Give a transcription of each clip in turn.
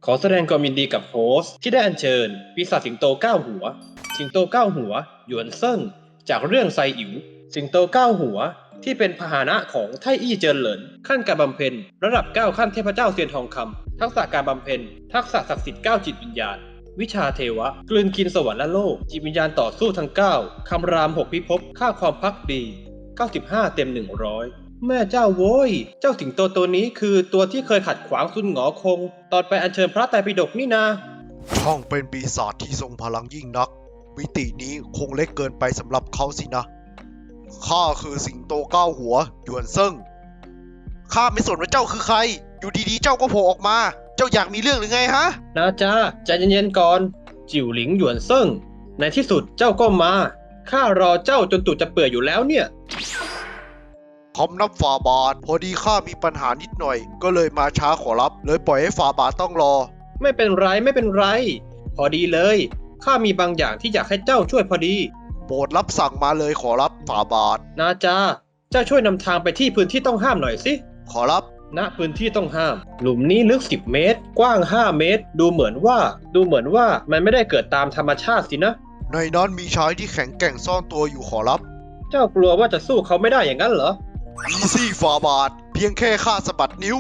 ขอแสดงความยินดีกับโฮสต์ที่ได้อัญเชิญปีศาจสิงโต9 หัวสิงโต9 หัวหยวนเซิ่งจากเรื่องไซอิ๋วสิงโต9 หัวที่เป็นพาหนะของไทอี้เจินเหลินขั้นการบำเพ็ญระดับ9ขั้นเทพเจ้าเซียนทองคำทักษะการบำเพ็ญทักษะศักดิ์สิทธิ์9จิตวิญญาณวิชาเทวะกลืนกินสวรรค์และโลกจิตวิญญาณต่อสู้ทั้ง9คำราม6พิภพค่าความภักดี95เต็ม100แม่เจ้าโว้ยเจ้าสิงโตตัวนี้คือตัวที่เคยขัดขวางซุนหงอคงตอนไปอัญเชิญพระไตรปิฎกนี่นาช่องเป็นปีศาจที่ทรงพลังยิ่งนักมิตินี้คงเล็กเกินไปสำหรับเขาสินะข้าคือสิงโต9 หัวหยวนเซิ่งข้าไม่สนว่าเจ้าคือใครอยู่ดีๆเจ้าก็โผล่ออกมาเจ้าอยากมีเรื่องหรือไงฮะนะจ๊ะใจเย็นๆก่อนจิ๋วหลิงหยวนเซิ่งในที่สุดเจ้าก็มาข้ารอเจ้าจนตูดจะเปื่อยอยู่แล้วเนี่ยคำนับฝ่าบาทพอดีข้ามีปัญหานิดหน่อยก็เลยมาช้าขอรับเลยปล่อยให้ฝ่าบาทต้องรอไม่เป็นไรพอดีเลยข้ามีบางอย่างที่อยากให้เจ้าช่วยพอดีโปรดรับสั่งมาเลยขอรับฝ่าบาทนะจ๊ะเจ้าช่วยนำทางไปที่พื้นที่ต้องห้ามหน่อยสิขอรับณพื้นที่ต้องห้ามหลุมนี้ลึก10 เมตรกว้าง5 เมตรดูเหมือนว่ามันไม่ได้เกิดตามธรรมชาติสินะในนั้นมีชายที่แข็งแกร่งซ่อนตัวอยู่ขอรับเจ้ากลัวว่าจะสู้เขาไม่ได้อย่างนั้นเหรออีซี่ฝ่าบาทเพียงแค่ข้าสะบัดนิ้ว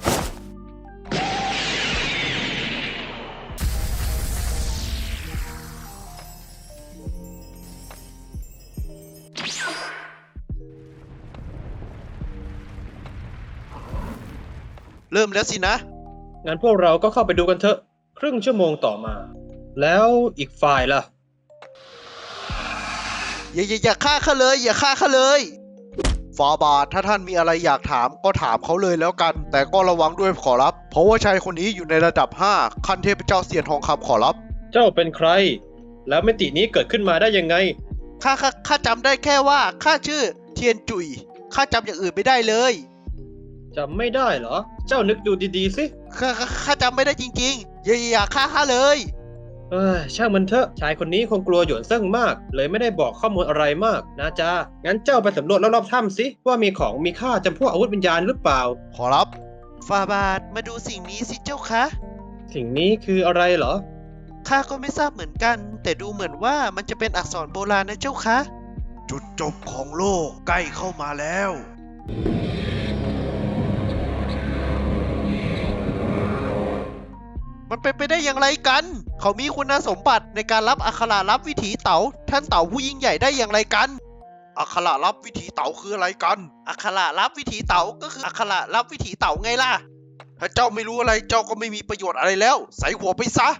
เริ่มแล้วสินะงั้นพวกเราก็เข้าไปดูกันเถอะครึ่งชั่วโมงต่อมาแล้วอีกฝ่ายล่ะอย่าฆ่าข้าเลยอย่าฆ่าข้าเลยฟาบาทถ้าท่านมีอะไรอยากถามก็ถามเขาเลยแล้วกันแต่ก็ระวังด้วยขอรับเพราะว่าชายคนนี้อยู่ในระดับ5ขั้นเทพเจ้าเซียนทองคำขอรับเจ้าเป็นใครแล้วมิตินี้เกิดขึ้นมาได้ยังไงข้าจำได้แค่ว่าข้าชื่อเทียนจุยข้าจำอย่างอื่นไม่ได้เลยจำไม่ได้เหรอเจ้านึกดูดีๆสิข้าจำไม่ได้จริงๆอย่าฆ่าข้าเลยช่างมันเถอะชายคนนี้คงกลัวหยวนเซิ่งมากเลยไม่ได้บอกข้อมูลอะไรมากนะจ๊ะงั้นเจ้าไปสำรวจรอบๆถ้ำสิว่ามีของมีค่าจำพวกอาวุธวิญญาณหรือเปล่าขอรับฟาบาทมาดูสิ่งนี้สิเจ้าคะสิ่งนี้คืออะไรเหรอข้าก็ไม่ทราบเหมือนกันแต่ดูเหมือนว่ามันจะเป็นอักษรโบราณนะเจ้าคะจุดจบของโลกใกล้เข้ามาแล้วมันเป็นไปได้อย่างไรกันเขามีคุณสมบัติในการรับอัคระลับวิถีเต๋าท่านเต๋าผู้ยิ่งใหญ่ได้อย่างไรกันอัคระลับวิถีเต๋าคืออะไรกันอัคระลับวิถีเต๋าก็คืออัคระลับวิถีเต๋าไงล่ะถ้าเจ้าไม่รู้อะไรเจ้าก็ไม่มีประโยชน์อะไรแล้วใส่หัวไปซะ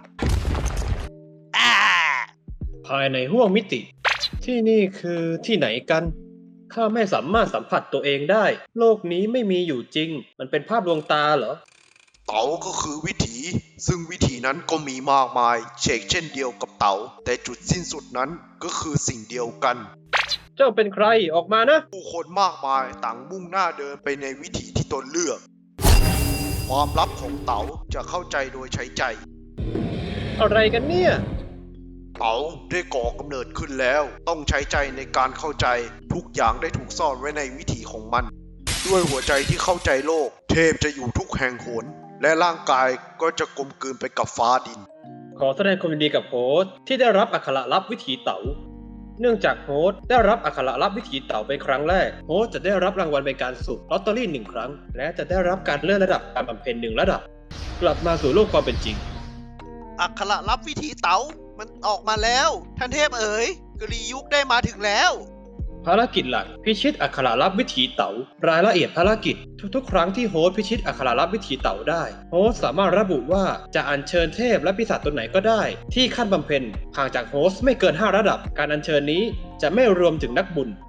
ภายในห้วงมิติที่นี่คือที่ไหนกันข้าไม่สามารถสัมผัสตัวเองได้โลกนี้ไม่มีอยู่จริงมันเป็นภาพลวงตาเหรอเต๋าก็คือวิถีซึ่งวิถีนั้นก็มีมากมายเช่นเดียวกับเต๋าแต่จุดสิ้นสุดนั้นก็คือสิ่งเดียวกันเจ้าเป็นใครออกมานะผู้คนมากมายต่างมุ่งหน้าเดินไปในวิถีที่ตนเลือกความลับของเต๋าจะเข้าใจโดยใช้ใจอะไรกันเนี่ยเต๋าได้ก่อกำเนิดขึ้นแล้วต้องใช้ใจในการเข้าใจทุกอย่างได้ถูกซ่อนไว้ในวิถีของมันด้วยหัวใจที่เข้าใจโลกเทพจะอยู่ทุกแห่งหนและร่างกายก็จะกลมกลืนไปกับฟ้าดินขอแสดงความยินดีกับโฮสต์ที่ได้รับอักขระลับวิถีเต๋าเนื่องจากโฮสต์ได้รับอักขระลับวิถีเต๋าเป็นครั้งแรกโฮสต์จะได้รับรางวัลเป็นการสุ่มลอตเตอรี่1 ครั้งและจะได้รับการเลื่อนระดับการบำเพ็ญ1 ระดับกลับมาสู่โลกความเป็นจริงอักขระลับวิถีเต๋ามันออกมาแล้วท่านเทพเอ๋ยกรียุคได้มาถึงแล้วภารกิจหลักพิชิตอักขระลับวิถีเต๋ารายละเอียดภารกิจทุกๆครั้งที่โฮสต์พิชิตอักขระลับวิถีเต๋าได้โฮสต์สามารถระบุว่าจะอัญเชิญเทพและปีศาจตัวไหนก็ได้ที่ขั้นบำเพ็ญห่างจากโฮสต์ไม่เกิน5 ระดับการอัญเชิญนี้จะไม่รวมถึงนักบุญ